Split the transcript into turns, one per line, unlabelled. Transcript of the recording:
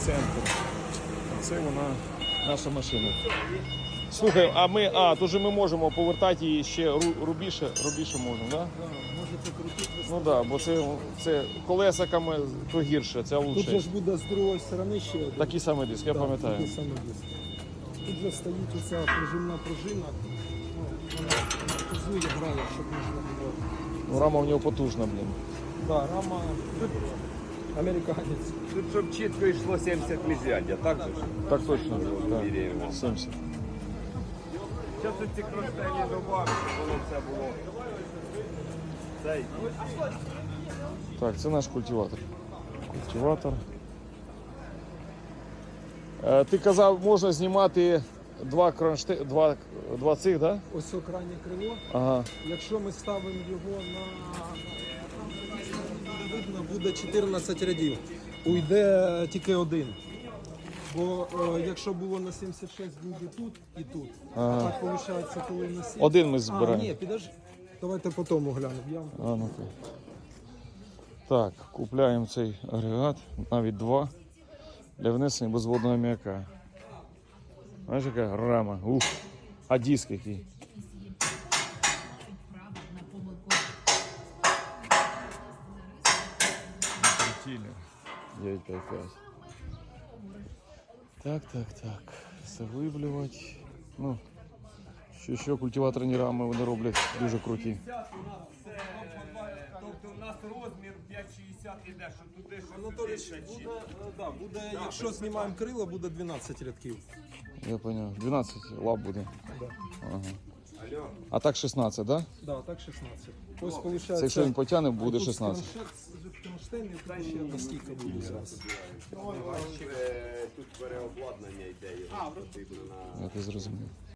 центр. Це вона, наша машина. Слухай, тут же ми можемо повертати її ще рубіше можемо, так? Да?
Можете крутити.
Ну так, бо це колесиками то гірше, це
Тут же
лучше.
ж буде з другої сторони ще один.
Такий самий диск, я пам'ятаю.
Такий самий диск. Тут же стоїть оця пружинна пружина. Вона фізує, грає, щоб можна було.
Ну, рама в нього потужна, блін.
Так, рама американець.
Тут, щоб чітко йшло 70 міжряддя, так же ж?
Так точно, так.
Міряємо.
70.
Зараз ці кронштейні добавимо, щоб воно все було. Цей.
Так, це наш культиватор. Культиватор. Ти казав, можна знімати два цих, так? Да?
Ось крайнє крило.
Ага.
Якщо ми ставимо його видно, буде 14 рядів. Уйде тільки один. Бо якщо було на 76, буде тут і тут.
Ага.
А так виходить, коли на 7.
Один ми збираємо.
Ні, підожди. Давайте потім глянемо.
Ну-ка. Так, купляємо цей агрегат, навіть два, для внесення безводного аміака. Бачиш, яка рама. Ух, а диск який. Крутили. 955. Так. Завиблювати. Ну, що культиваторні рами вони роблять дуже круті.
Тобто у нас розмір 5,60 іде, що туди, що
Анатолій, буде, якщо знімаємо крила, буде 12 рядків.
Я зрозумів. 12 лап буде.
Да.
Ага. А так 16, так?
Да, так 16. Ось виходить.
Це якщо він потягне, буде 16.
Кронштейн, і тут ще доскільки буде зараз.
тут переобладнання йде, його потрібно на...
Я це зрозумів.